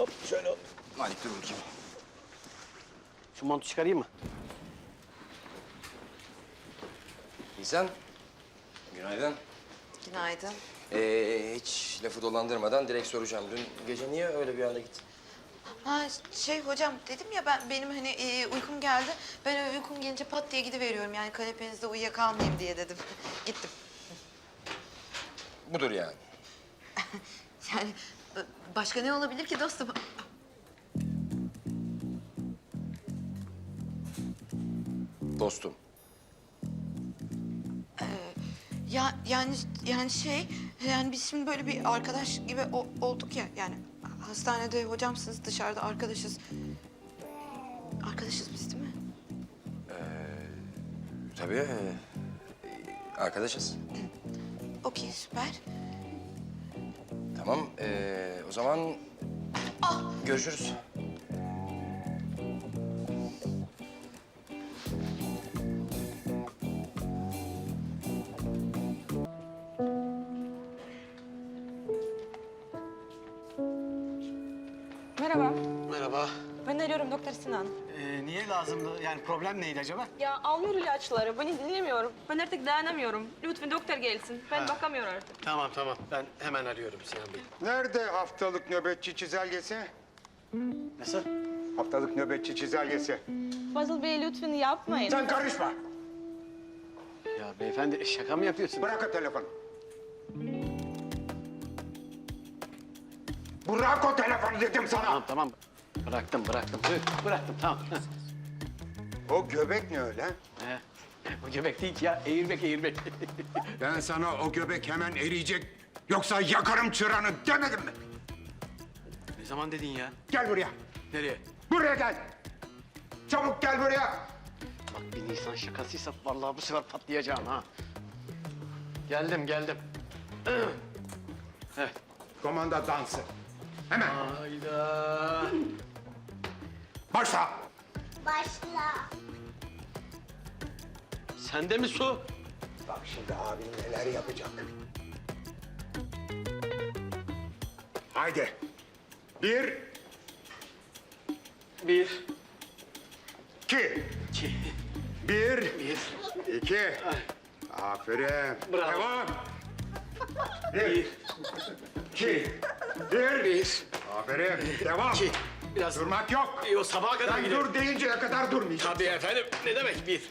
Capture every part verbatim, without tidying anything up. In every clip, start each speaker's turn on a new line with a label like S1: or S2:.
S1: Hop şöyle hop. Malik dur bakayım. Şu montu çıkarayım mı?
S2: İhsan, günaydın.
S3: Günaydın.
S2: Ee, hiç lafı dolandırmadan direkt soracağım. Dün gece niye öyle bir anda gittin?
S3: Ha şey hocam dedim ya ben benim hani e, uykum geldi. Ben öyle uykum gelince pat diye gidiveriyorum. Yani kanepenizde uyuyakalmayayım diye dedim. Gittim.
S2: Budur yani.
S3: Yani ba- başka ne olabilir ki dostum?
S2: Dostum.
S3: Ya yani yani şey yani biz şimdi böyle bir arkadaş gibi o- olduk ya yani hastanede hocamsınız dışarıda arkadaşız. Arkadaşız biz değil mi?
S2: Tabii. ee, arkadaşız.
S3: Okey süper.
S2: Tamam. ee, o zaman görüşürüz.
S4: Merhaba.
S1: Merhaba.
S4: Ben arıyorum Doktor Sinan.
S1: Ee, niye lazımdı? Yani problem neydi acaba?
S4: Ya almıyor ilaçları. Beni dinlemiyorum. Ben artık dayanamıyorum. Lütfen doktor gelsin. Ben
S1: Ha.
S4: bakamıyorum artık.
S1: Tamam tamam. Ben hemen arıyorum Sinan Bey.
S5: Nerede haftalık nöbetçi çizelgesi?
S1: Nasıl?
S5: Haftalık nöbetçi çizelgesi.
S4: Fazıl Bey lütfen yapmayın.
S5: Sen karışma.
S1: Ya beyefendi şaka mı yapıyorsun?
S5: Bırak o telefonu. Bırak o telefonu dedim sana.
S1: Tamam tamam. Bıraktım bıraktım. Hı, Bıraktım tamam.
S5: O göbek ne öyle?
S1: He. Bu göbek değil ki ya. Eğirmek eğirmek.
S5: Ben sana o göbek hemen eriyecek. Yoksa yakarım çıranı demedim mi?
S1: Ne zaman dedin ya?
S5: Gel buraya.
S1: Nereye?
S5: Buraya gel. Çabuk gel buraya.
S1: Bak bir Nisan şakasıysa vallahi bu sefer patlayacağım ha. Geldim geldim. Evet.
S5: Komanda dansı. Hemen.
S1: Hayda.
S5: Başla.
S6: Başla.
S1: Sende mi su?
S5: Bak şimdi abin neler yapacak. Haydi. Bir,
S1: Bir.
S5: iki.
S1: İki.
S5: Bir,
S1: Bir.
S5: iki. Aferin.
S1: Bravo.
S5: Devam. Bir, iki, bir.
S1: Bir.
S5: Aferin. Devam.
S1: İki. Biraz
S5: Durmak yok.
S1: İyi, o sabaha kadar
S5: Sen
S1: gidelim.
S5: dur deyinceye kadar durmayacaksın.
S1: Tabii efendim. Ne demek bir?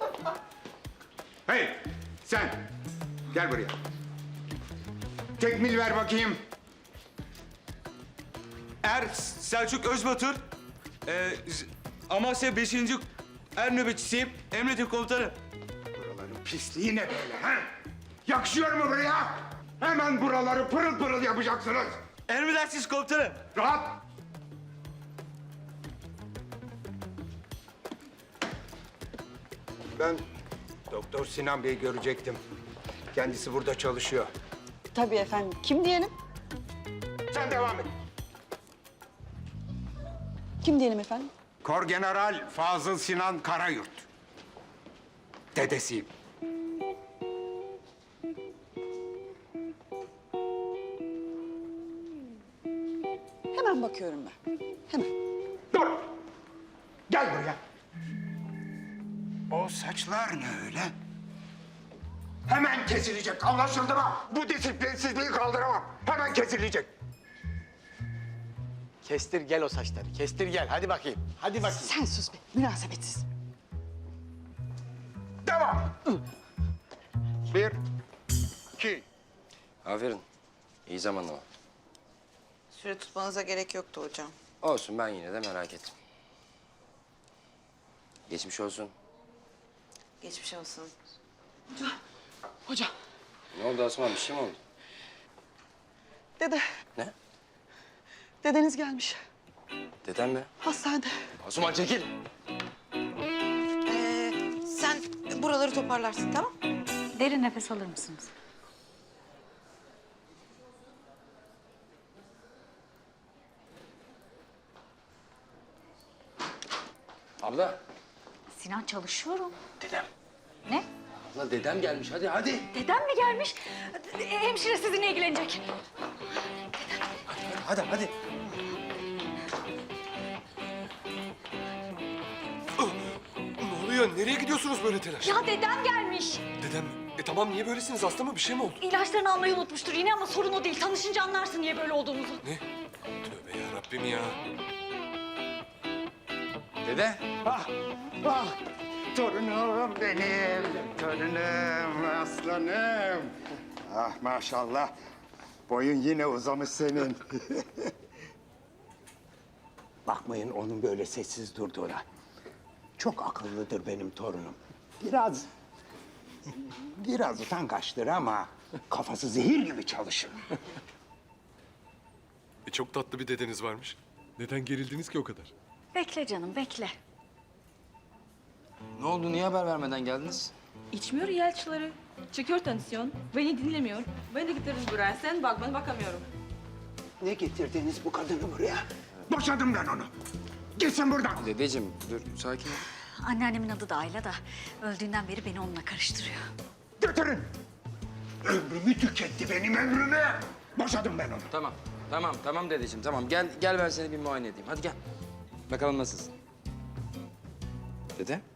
S5: Hey, sen. Gel buraya. Tekmil ver bakayım.
S7: Er Selçuk Özbatır, e, Z- Amasya beşinci Er nöbetçisiyim. Emredin komutanım.
S5: Buraların pisliği ne böyle ha? Yakışıyor mu buraya? Hemen buraları pırıl pırıl yapacaksınız.
S7: Emredersiniz komutanım.
S5: Rahat. Ben Doktor Sinan Bey'i görecektim. Kendisi burada çalışıyor.
S8: Tabii efendim. Kim diyelim?
S5: Sen devam et.
S8: Kim diyelim efendim?
S5: Korgeneral Fazıl Sinan Karayurt. Dedesiyim.
S8: Hemen bakıyorum ben. Hemen.
S5: Dur! Gel buraya. O saçlar ne öyle? Hemen kesilecek, anlaşıldı mı? Bu disiplinsizliği kaldıramam. Hemen kesilecek.
S1: Kestir gel o saçları. Kestir gel. Hadi bakayım. Hadi bakayım.
S8: Sen sus be. Münasebetsiz.
S5: Devam. Bir, iki.
S2: Aferin. İyi zamanlama.
S3: Süre tutmanıza gerek yoktu hocam.
S2: Olsun, ben yine de merak ettim. Geçmiş olsun.
S3: Geçmiş olsun.
S8: Hocam.
S2: Ne oldu Asman? Bir şey mi oldu?
S8: Dede.
S2: Ne?
S8: Dedeniz gelmiş.
S2: Dedem mi?
S8: Hastanede.
S2: Asuman çekil.
S3: Ee, sen buraları toparlarsın tamam?
S9: Derin nefes alır mısınız?
S2: Abla.
S9: Sinan çalışıyorum.
S2: Dedem.
S9: Ne?
S2: Abla dedem gelmiş. Hadi hadi.
S9: Dedem mi gelmiş? Hemşire sizinle ilgilenecek.
S2: Hadi hadi.
S6: oluyor? Nereye gidiyorsunuz böyle telaş?
S9: Ya dedem gelmiş.
S6: Dedem, e tamam niye böylesiniz? Hasta mı? Bir şey mi oldu?
S9: İlaçlarını almayı unutmuştur yine ama sorun o değil. Tanışınca anlarsın niye böyle olduğumuzu.
S6: Ne? Tövbe ya Rabbim ya.
S2: Dede.
S5: Ah, ah, torunum benim, torunum, aslanım. Ah maşallah, boyun yine uzamış senin. Bakmayın onun böyle sessiz durduğuna. Çok akıllıdır benim torunum. Biraz, biraz utangaçtır ama kafası zehir gibi çalışır.
S6: E çok tatlı bir dedeniz varmış. Neden gerildiniz ki o kadar?
S9: Bekle canım bekle.
S2: Ne oldu? Niye haber vermeden geldiniz?
S4: İçmiyor ilaçları. Çekiyor tansiyon. Beni dinlemiyor. Beni de getirdiniz buraya. Sen bak ben bakamıyorum.
S5: Ne getirdiniz bu kadını buraya? Boşadım ben onu. Gitsin buradan.
S2: Dedeciğim dur sakin ol.
S9: Anneannemin adı da Ayla da öldüğünden beri beni onunla karıştırıyor.
S5: Götürün. Ömrümü tüketti benim ömrümü. Boşadım ben onu.
S2: Tamam. Tamam tamam dedeciğim tamam. Gel gel ben seni bir muayene edeyim. Hadi gel. Bakalım nasılsın? Dede?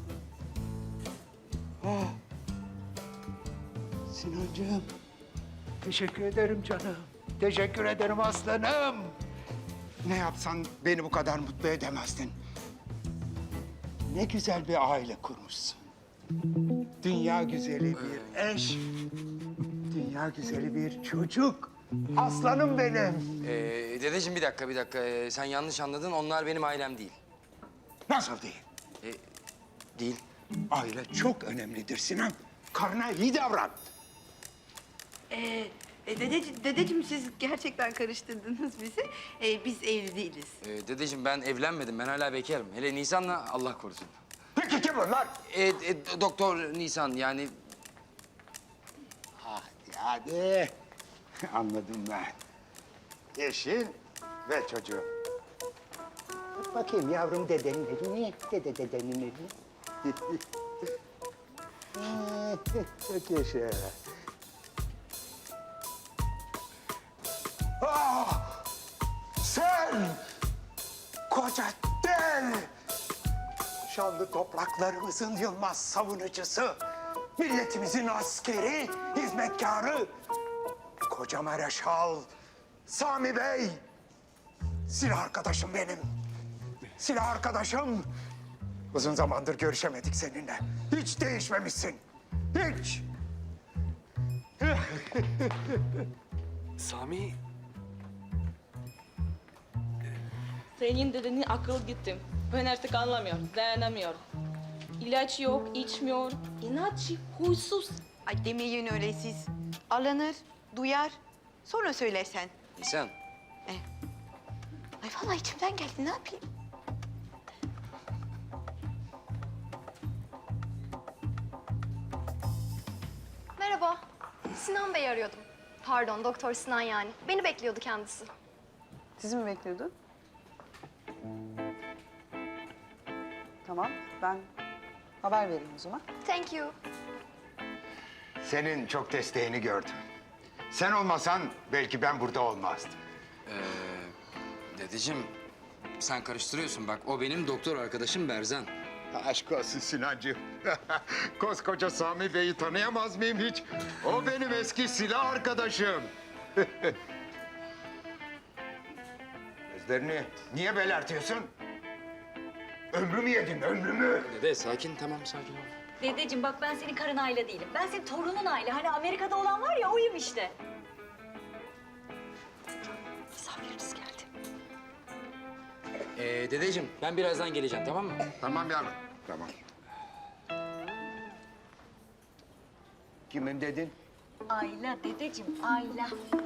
S5: Sinancığım, teşekkür ederim canım. Teşekkür ederim aslanım. Ne yapsan beni bu kadar mutlu edemezdin. Ne güzel bir aile kurmuşsun. Dünya güzeli bir eş, dünya güzeli bir çocuk. Aslanım benim.
S2: Ee, dedeciğim bir dakika bir dakika. Ee, sen yanlış anladın. Onlar benim ailem değil.
S5: Nasıl değil?
S2: Ee, değil.
S5: Aile çok önemlidir Sinan. Karına iyi davran.
S3: Ee, e, dedeci, dedeciğim siz gerçekten karıştırdınız bizi. Ee, biz evli değiliz.
S2: Ee, dedeciğim ben evlenmedim. Ben hala bekarım. Hele Nisan'la Allah korusun.
S5: Peki kim bunlar?
S2: Ee, e, doktor Nisan yani
S5: Hadi hadi. Anladım ben. Eşin ve çocuğu. Tut bakayım yavrum dedenin elini. Dede dedenin elini. Çok yaşa. Ah! Sen! Koca dev! Şanlı topraklarımızın yılmaz savunucusu, milletimizin askeri, hizmetkarı, koca Mareşal Sami Bey. Silah arkadaşım benim. Silah arkadaşım. Uzun zamandır görüşemedik seninle. Hiç değişmemişsin. Hiç.
S6: Sami,
S4: Senin dedenin akıl gitti. Ben artık anlamıyorum. Dayanamıyorum. İlaç yok, içmiyor. İnatçı, huysuz.
S3: Ay demeyin öyle siz. Alınır, duyar, sonra söylersen.
S2: Nisan.
S3: Ay vallahi içimden geldi, ne yapayım?
S10: Merhaba. Sinan Bey'i arıyordum. Pardon, Doktor Sinan yani. Beni bekliyordu kendisi.
S8: Sizi mi bekliyordun? Tamam, ben haber vereyim o zaman.
S10: Thank you.
S5: Senin çok desteğini gördüm. Sen olmasan belki ben burada olmazdım.
S2: Dedeciğim sen karıştırıyorsun bak. O benim doktor arkadaşım Berzan.
S5: Aşk olsun Sinancığım. Koskoca Sami Bey'i tanıyamaz mıyım hiç? O benim eski silah arkadaşım. Gözlerini niye belertiyorsun? Ömrümü yedin, ömrümü.
S2: Dede sakin tamam sakin ol.
S9: Dedeciğim bak ben senin karın Ayla değilim. Ben senin torunun Ayla. Hani Amerika'da olan var ya oyum işte. Misafiriniz geldi.
S2: Ee, dedeciğim ben birazdan geleceğim tamam mı?
S5: Tamam yavrum, tamam. Kimin dedin?
S9: Ayla dedeciğim Ayla.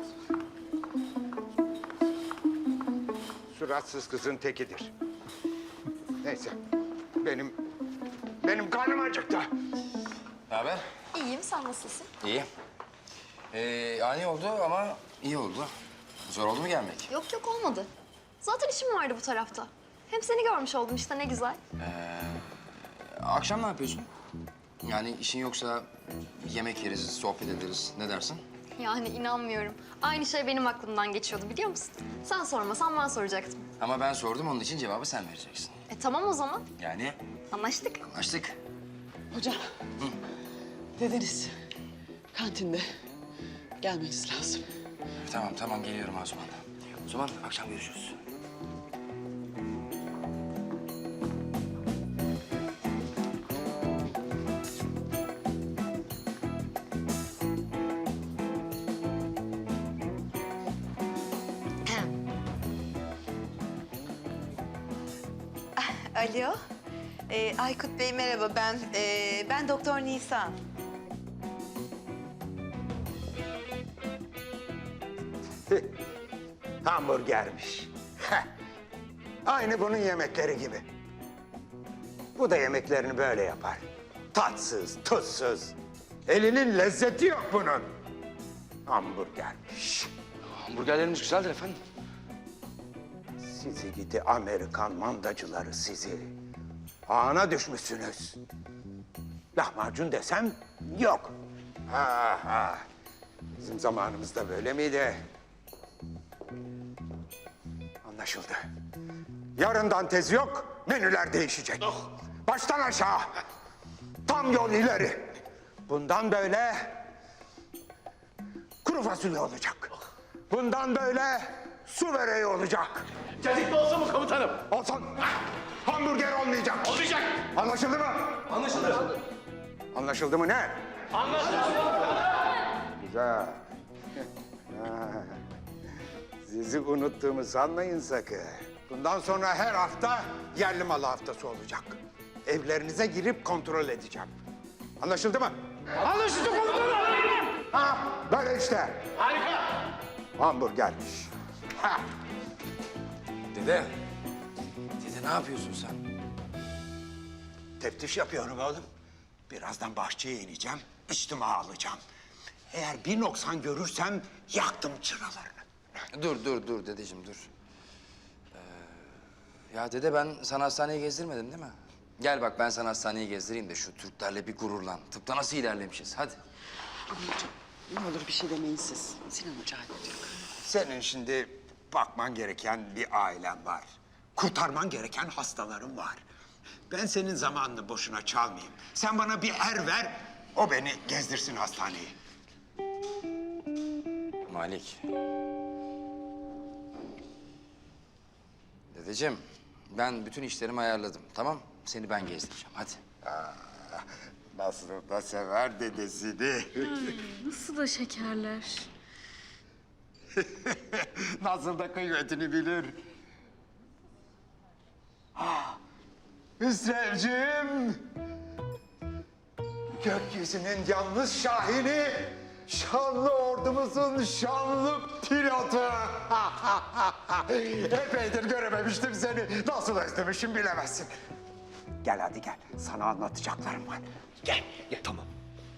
S5: Suratsız kızın tekidir. Neyse, benim, benim karnım acıktı.
S2: Ne haber?
S10: İyiyim, sen nasılsın?
S2: İyi. Ee, ani oldu ama iyi oldu. Zor oldu mu gelmek?
S10: Yok yok olmadı. Zaten işim vardı bu tarafta. Hem seni görmüş oldum işte ne güzel.
S2: Akşam ne yapıyorsun? Yani işin yoksa yemek yeriz, sohbet ederiz. Ne dersin?
S10: Yani inanmıyorum. Aynı şey benim aklımdan geçiyordu biliyor musun? Sen sormasan ben soracaktım.
S2: Ama ben sordum onun için cevabı sen vereceksin.
S10: E tamam o zaman.
S2: Yani
S9: Anlaştık.
S2: Anlaştık.
S11: Hocam, dedeniz kantinde gelmeniz lazım.
S2: Tamam tamam geliyorum Asuman. O zaman akşam görüşürüz.
S3: Alo. Ee, Aykut Bey merhaba. Ben ee, ben Doktor Nisan.
S5: Hamburgermiş. Heh. Aynı bunun yemekleri gibi. Bu da yemeklerini böyle yapar. Tatsız, tuzsuz. Elinin lezzeti yok bunun. Hamburgermiş.
S2: Hamburgerlerimiz güzeldir efendim.
S5: Sizi gidi Amerikan mandacıları sizi. Ağına düşmüşsünüz. Lahmacun desem yok. Ha ha. Bizim zamanımızda böyle miydi? Anlaşıldı. Yarından tez yok, menüler değişecek. Baştan aşağı. Tam yol ileri. Bundan böyle kuru fasulye olacak. Bundan böyle su böreği olacak.
S1: Cacıklı olsun mu komutanım?
S5: Olsun. Hamburger olmayacak.
S1: Olmayacak.
S5: Anlaşıldı mı?
S1: Anlaşıldı.
S5: Anlaşıldı mı ne?
S1: Anlaşıldı.
S5: Güzel. Ha, sizi unuttuğumu sanmayın sakın. Bundan sonra her hafta yerli malı haftası olacak. Evlerinize girip kontrol edeceğim. Anlaşıldı mı? Anlaşıldı komutanım. Ha, böyle işte.
S1: Harika.
S5: Hamburgermiş. Ha.
S2: Dede. Dede ne yapıyorsun sen?
S5: Teftiş yapıyorum oğlum. Birazdan bahçeye ineceğim, içtima alacağım. Eğer bir noksan görürsem yaktım çıralarını.
S2: Dur dur dur dedeciğim dur. Ee, ya dede ben sana hastaneyi gezdirmedim değil mi? Gel bak ben sana hastaneyi gezdireyim de şu Türklerle bir gururlan. Tıpta nasıl ilerlemişiz hadi.
S11: Aman hocam, ne olur bir şey demeyin siz. Sinan Hoca hallediyor.
S5: Senin şimdi bakman gereken bir ailen var. Kurtarman gereken hastaların var. Ben senin zamanını boşuna çalmayayım. Sen bana bir er ver, o beni gezdirsin hastaneyi.
S2: Malik. Dedeciğim ben bütün işlerimi ayarladım tamam? Seni ben gezdireceğim hadi.
S5: Nasıl da sever dedesini.
S9: Nasıl da şekerler.
S5: Nasıl da kıymetini bilir. Ah, Hüsrevciğim. Gökyüzünün yalnız şahini, şanlı ordumuzun şanlı pilotu. Epeydir görememiştim seni. Nasıl özlemişim bilemezsin. Gel hadi gel. Sana anlatacaklarım var. Gel, gel. Tamam.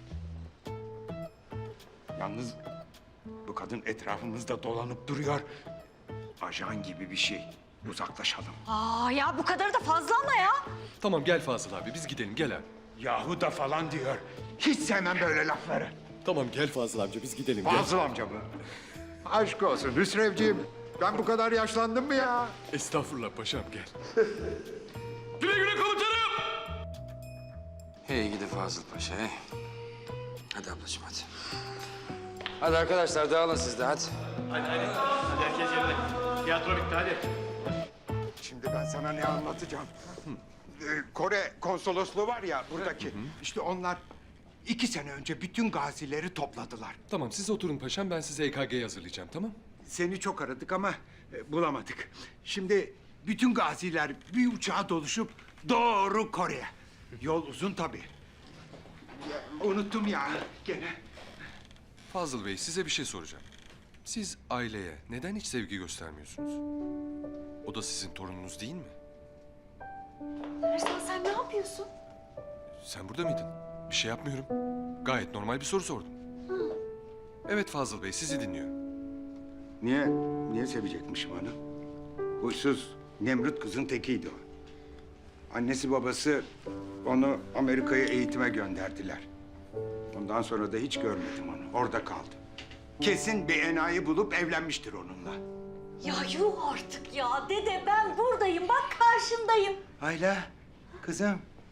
S5: Yalnız bu kadın etrafımızda dolanıp duruyor. Ajan gibi bir şey. Uzaklaşalım.
S9: Aa ya bu kadar da fazla ama ya.
S6: Tamam gel Fazıl abi biz gidelim gel abi.
S5: Yahu da falan diyor. Hiç sevmem böyle lafları.
S6: Tamam gel Fazıl amca biz gidelim gel.
S5: Fazıl amca mı? Aşk olsun Hüsrevciğim. Ben bu kadar yaşlandım mı ya?
S6: Estağfurullah paşam gel.
S7: Güle güle komutanım.
S2: Hey gidi Fazıl Paşa hey. Hadi ablacığım hadi. Hadi arkadaşlar dağılın siz de hadi.
S1: Hadi hadi. Hadi herkes yerine. Tiyatro bitti hadi.
S5: Şimdi ben sana ne anlatacağım? Ee, Kore konsolosluğu var ya buradaki. İşte onlar iki sene önce bütün gazileri topladılar.
S6: Tamam siz oturun paşam ben size E K G hazırlayacağım tamam?
S5: Seni çok aradık ama e, bulamadık. Şimdi bütün gaziler bir uçağa doluşup doğru Kore'ye. Yol uzun tabii. Ya, unuttum ya gene.
S6: Fazıl Bey size bir şey soracağım. Siz aileye neden hiç sevgi göstermiyorsunuz? O da sizin torununuz değil mi?
S9: Ersan sen ne yapıyorsun?
S6: Sen burada mıydın? Bir şey yapmıyorum. Gayet normal bir soru sordum. Evet Fazıl Bey sizi dinliyorum.
S5: Niye, niye sevecekmişim onu? Huysuz, Nemrut kızın tekiydi o. Annesi babası onu Amerika'ya eğitime gönderdiler. Ondan sonra da hiç görmedim onu, orada kaldı. Kesin bir enayi bulup evlenmiştir onunla.
S9: Ya yuh artık ya. Dede ben buradayım. Bak karşındayım.
S5: Ayla, kızım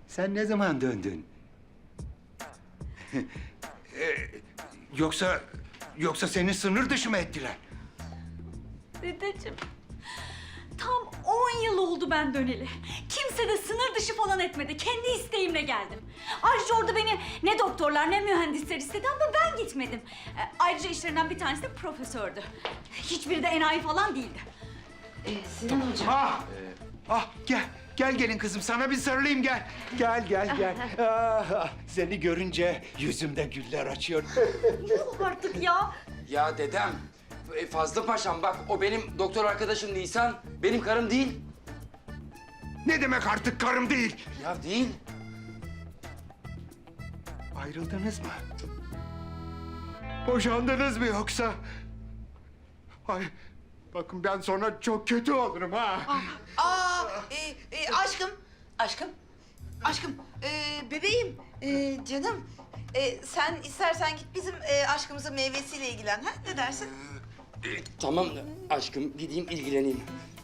S5: Sen ne zaman döndün? Ee, yoksa yoksa seni sınır dışı mı ettiler?
S9: Dedeciğim, tam on yıl oldu ben döneli. Kimse de sınır dışı falan etmedi. Kendi isteğimle geldim. Ayrıca orada beni ne doktorlar ne mühendisler istedi ama ben gitmedim. E, ayrıca işlerinden bir tanesi de profesördü. Hiçbiri de enayi falan değildi.
S5: Ah! Ah gel. Gel gelin kızım sana bir sarılayım gel. Gel gel gel. Ah, ah, seni görünce yüzümde güller açıyor.
S9: Yok artık ya.
S2: Ya dedem, e, Fazıl Paşam bak o benim doktor arkadaşım Nisan. Benim karım değil.
S5: Ne demek artık karım değil?
S2: Ya değil.
S5: Ayrıldınız mı? Boşandınız mı yoksa? Ay bakın ben sonra çok kötü olurum ha.
S3: Aa, e, e, aşkım, aşkım, aşkım, e, bebeğim, e, canım. E, sen istersen git bizim e, aşkımızın meyvesiyle ilgilen, ha? Ne dersin?
S2: E, tamam aşkım gideyim ilgileneyim.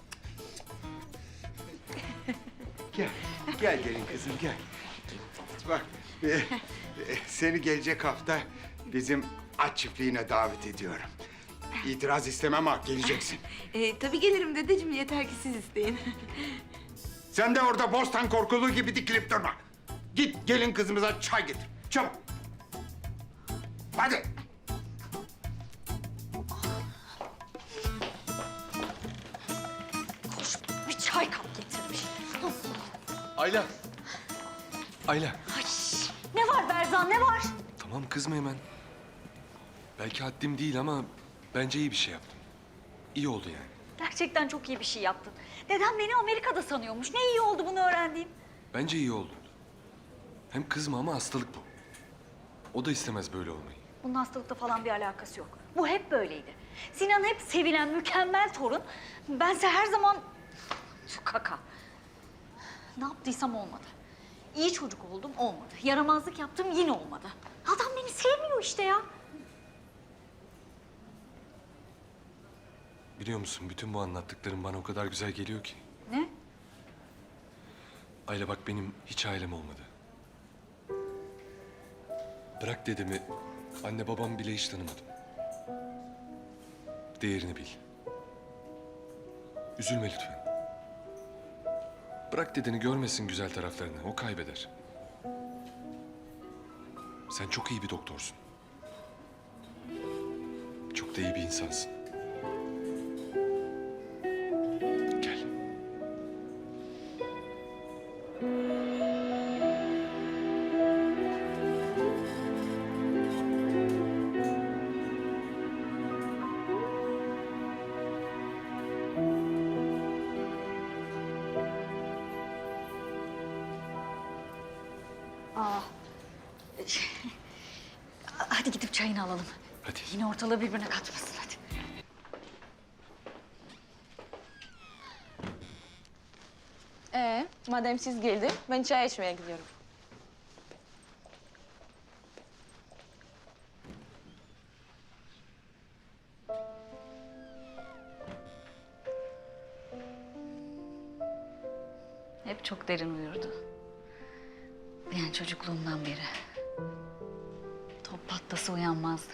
S5: Gel, gel gelin kızım gel. Bak, e, e, seni gelecek hafta bizim at çiftliğine davet ediyorum. İtiraz istemem ha, geleceksin.
S3: E, tabii gelirim dedeciğim, yeter ki siz isteyin.
S5: Sen de orada bostan korkuluğu gibi dikilip durma. Git gelin kızımıza çay getir, çabuk. Hadi.
S9: Koş, bir çay kap getirmiş.
S6: Ayla. Ayla.
S9: Ay, ne var Berzan, ne var?
S6: Tamam kızma hemen. Belki haddim değil ama bence iyi bir şey yaptım. İyi oldu yani.
S9: Gerçekten çok iyi bir şey yaptın. Dedem beni Amerika'da sanıyormuş. Ne iyi oldu bunu öğrendiğim.
S6: Bence iyi oldu. Hem kızma ama hastalık bu. O da istemez böyle olmayı.
S9: Bunun hastalıkla falan bir alakası yok. Bu hep böyleydi. Sinan hep sevilen, mükemmel torun. Bense her zaman şu kaka. Ne yaptıysam olmadı. İyi çocuk oldum, olmadı. Yaramazlık yaptım, yine olmadı. Adam beni sevmiyor işte ya.
S6: Biliyor musun bütün bu anlattıklarım bana o kadar güzel geliyor ki.
S9: Ne?
S6: Ayla bak benim hiç ailem olmadı. Bırak dedemi, anne babam bile hiç tanımadım. Değerini bil. Üzülme lütfen. Bırak dedeni görmesin güzel taraflarını, o kaybeder. Sen çok iyi bir doktorsun. Çok da iyi bir insansın. Gel.
S9: Aa. Hadi gidip çayını alalım.
S6: Hadi.
S9: Yine ortalığı birbirine katmasın hadi.
S4: Ee, madem siz geldi, ben çay içmeye gidiyorum.
S9: Hep çok derin uyurdu. Yani çocukluğumdan beri. Top patlası uyanmazdı.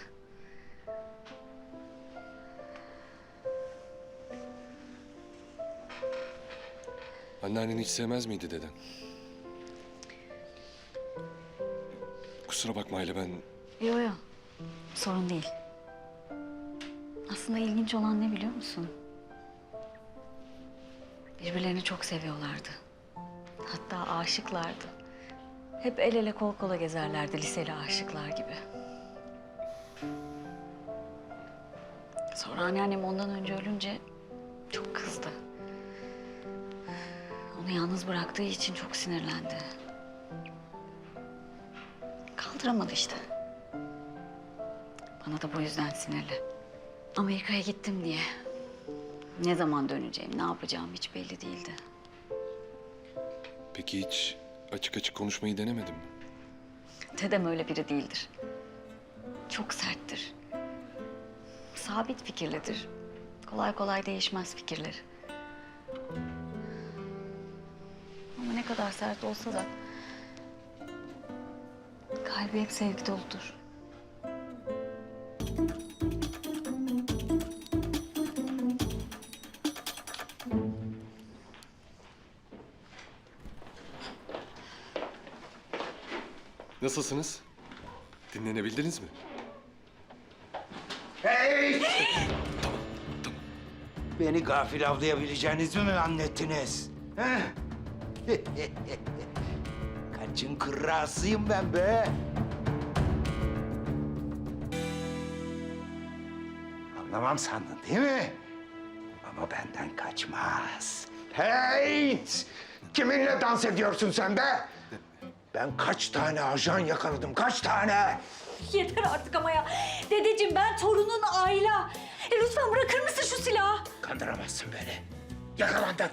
S6: Anneannen hiç sevmez miydi deden? Kusura bakma Ayla ben...
S9: Yo yo, sorun değil. Aslında ilginç olan ne biliyor musun? Birbirlerini çok seviyorlardı. Hatta aşıklardı. Hep el ele kol kola gezerlerdi liseli aşıklar gibi. Sonra anneannem ondan önce ölünce çok kızdı. Onu yalnız bıraktığı için çok sinirlendi. Kaldıramadı işte. Bana da bu yüzden sinirli. Amerika'ya gittim diye. Ne zaman döneceğim, ne yapacağım hiç belli değildi.
S6: Peki hiç açık açık konuşmayı denemedin mi?
S9: Dedem öyle biri değildir. Çok serttir. Sabit fikirlidir. Kolay kolay değişmez fikirleri. Ama ne kadar sert olsa da Kalbi hep sevgi doludur.
S6: Nasılsınız? Dinlenebildiniz mi?
S5: Hey! Beni gafil avlayabileceğinizi mi annettiniz? He? Kaçın kırrasıyım ben be. Anlamam sandın değil mi? Ama benden kaçmaz. Hey! Kiminle dans ediyorsun sen be? Ben kaç tane ajan yakaladım, kaç tane?
S9: Yeter artık ama ya. Dedeciğim ben torunun Ayla. E, lütfen bırakır mısın şu silahı?
S5: Kandıramazsın beni. Yakalandın.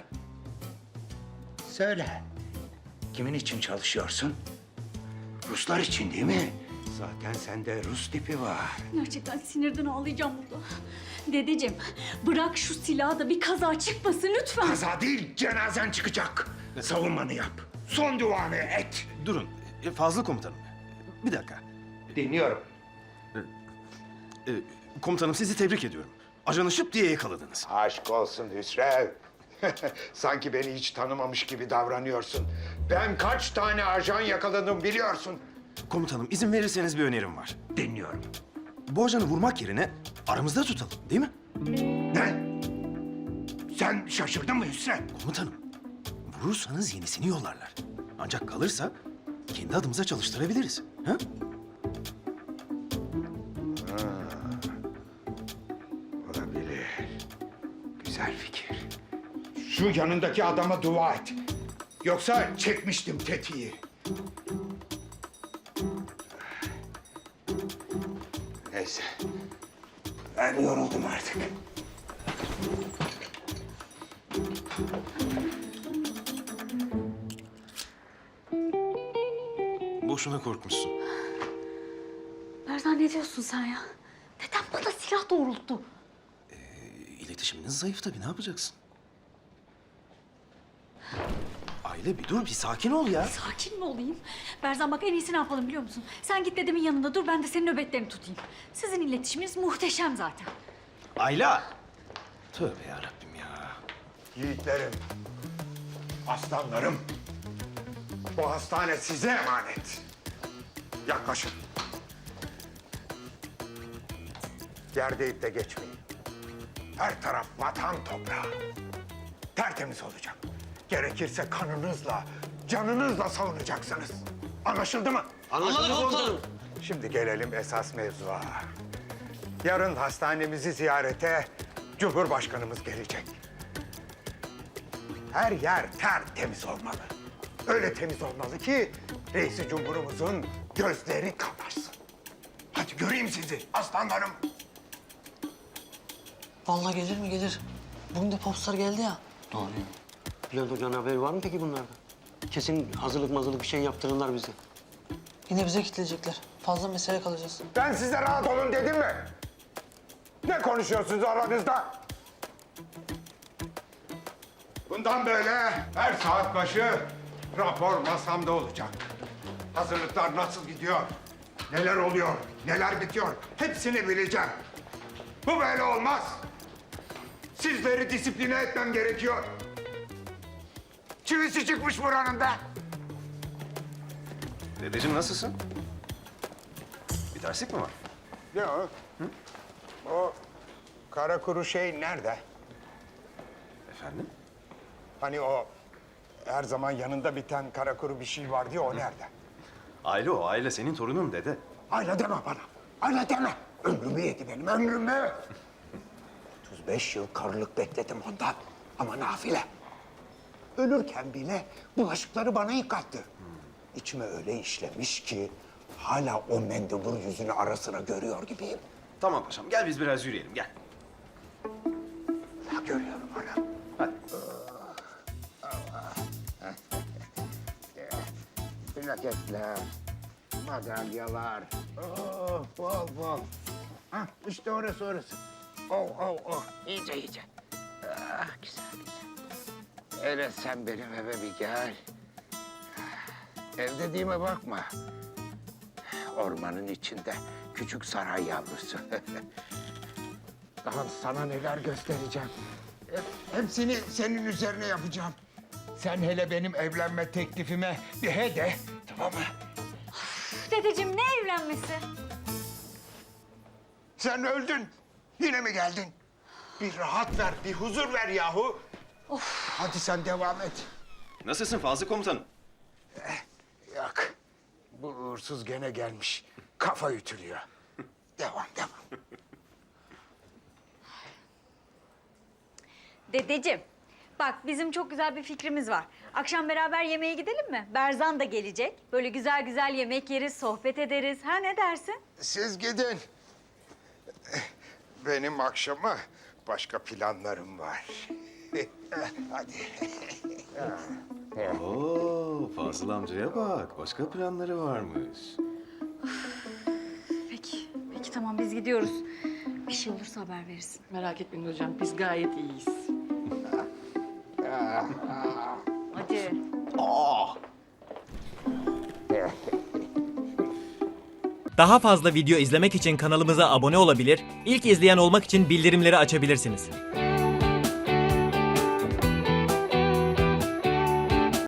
S5: Söyle. Kimin için çalışıyorsun? Ruslar için değil mi? Zaten sende Rus tipi var.
S9: Gerçekten sinirden ağlayacağım burada. Dedeciğim bırak şu silahı da bir kaza çıkmasın lütfen.
S5: Kaza değil, cenazen çıkacak. Savunmanı yap. Son duanı et.
S12: Durun, e, Fazıl komutanım. Bir dakika.
S5: Dinliyorum.
S12: E, komutanım sizi tebrik ediyorum. Ajanı şıp diye yakaladınız.
S5: Aşk olsun Hüsrev. Sanki beni hiç tanımamış gibi davranıyorsun. Ben kaç tane ajan yakaladım biliyorsun.
S12: Komutanım izin verirseniz bir önerim var.
S5: Dinliyorum.
S12: Bu ajanı vurmak yerine aramızda tutalım değil mi?
S5: Ne? Sen şaşırdın mı Hüsrev?
S12: Komutanım, vurursanız yenisini yollarlar. Ancak kalırsa kendi adımıza çalıştırabiliriz. Ha?
S5: Olabilir. Güzel fikir. Şu yanındaki adama dua et. Yoksa çekmiştim tetiği. Neyse. Ben yoruldum artık.
S12: Boşuna korkmuşsun.
S9: Berzan ne diyorsun sen ya? Neden bana silah doğrulttu?
S12: İletişiminiz zayıf tabii, ne yapacaksın? Aile bir dur, bir sakin ol ya.
S9: Sakin mi olayım? Berzan bak en iyisi ne yapalım biliyor musun? Sen git dedemin yanında dur, ben de senin nöbetlerini tutayım. Sizin iletişiminiz muhteşem zaten.
S12: Ayla! Tövbe yarabbim ya.
S5: Yiğitlerim, aslanlarım. Bu hastane size emanet. Yaklaşın. Yer deyip de geçmeyin. Her taraf vatan toprağı. Tertemiz olacak. Gerekirse kanınızla, canınızla savunacaksınız. Anlaşıldı mı?
S1: Anlaşıldı komutanım.
S5: Şimdi gelelim esas mevzuya. Yarın hastanemizi ziyarete Cumhurbaşkanımız gelecek. Her yer tertemiz olmalı. Öyle temiz olmalı ki reisi cumhurumuzun gözleri kamaşsın. Hadi göreyim sizi aslanlarım.
S11: Vallahi gelir mi gelir. Bugün de popstar geldi ya.
S1: Doğru ya. Bülent Hoca'nın haberi var mı peki bunlardan? Kesin hazırlık mazırlık bir şey yaptırırlar bize.
S11: Yine bize kilitleyecekler. Fazla mesele kalacağız.
S5: Ben size rahat olun dedim mi? Ne konuşuyorsunuz aranızda? Bundan böyle her saat başı rapor masamda olacak. Hazırlıklar nasıl gidiyor? Neler oluyor? Neler bitiyor? Hepsini bileceğim. Bu böyle olmaz. Sizleri disipline etmem gerekiyor. Çivisi çıkmış buranın da.
S12: Dedeciğim nasılsın? Bir terslik mi var?
S5: Yok. O kara kuru şey nerede?
S12: Efendim?
S5: Hani o her zaman yanında biten kara kuru bir şey vardı ya, o nerede?
S12: Aile o, aile senin torunun dede.
S5: Ayla deme bana. Ayla deme. Ömrümü yedi benim, ömrümü. otuz beş yıl karılık bekledim ondan. Ama nafile. Ölürken bile bulaşıkları bana yıkattı. İçime öyle işlemiş ki hala o mendebur yüzünü ara sıra görüyor gibiyim.
S12: Tamam paşam, gel biz biraz yürüyelim, gel.
S5: Ya görüyorum ana.
S12: Hadi.
S5: Plaketler, madalyalar. Oh, bol bol. Hah, işte orası orası. Oh, oh, oh. İyice iyice. Ah, güzel güzel. Evet, sen benim eve bir gel. Ev dediğime bakma. ormanın içinde. Küçük saray yavrusu. Daha sana neler göstereceğim. Hep- Hepsini senin üzerine yapacağım. Sen hele benim evlenme teklifime bir he de, tamam mı?
S9: Dedeciğim ne evlenmesi?
S5: Sen öldün. Yine mi geldin? Bir rahat ver, bir huzur ver yahu. Hadi sen devam et.
S12: Nasılsın Fazıl Komutanım?
S5: Yok. Bu uğursuz gene gelmiş. Kafa ütülüyor. Devam, devam.
S9: Dedeciğim, bak bizim çok güzel bir fikrimiz var. Akşam beraber yemeğe gidelim mi? Berzan da gelecek. Böyle güzel güzel yemek yeriz, sohbet ederiz. Ha ne dersin?
S5: Siz gidin. Benim akşama başka planlarım var. Hadi.
S12: Oo, Fazıl amcaya bak. Başka planları varmış.
S9: Peki, peki tamam biz gidiyoruz. Bir şey olursa haber verirsin.
S11: Merak etmeyin hocam, biz gayet iyiyiz.
S9: Hadi.
S13: Daha fazla video izlemek için kanalımıza abone olabilir, ilk izleyen olmak için bildirimleri açabilirsiniz.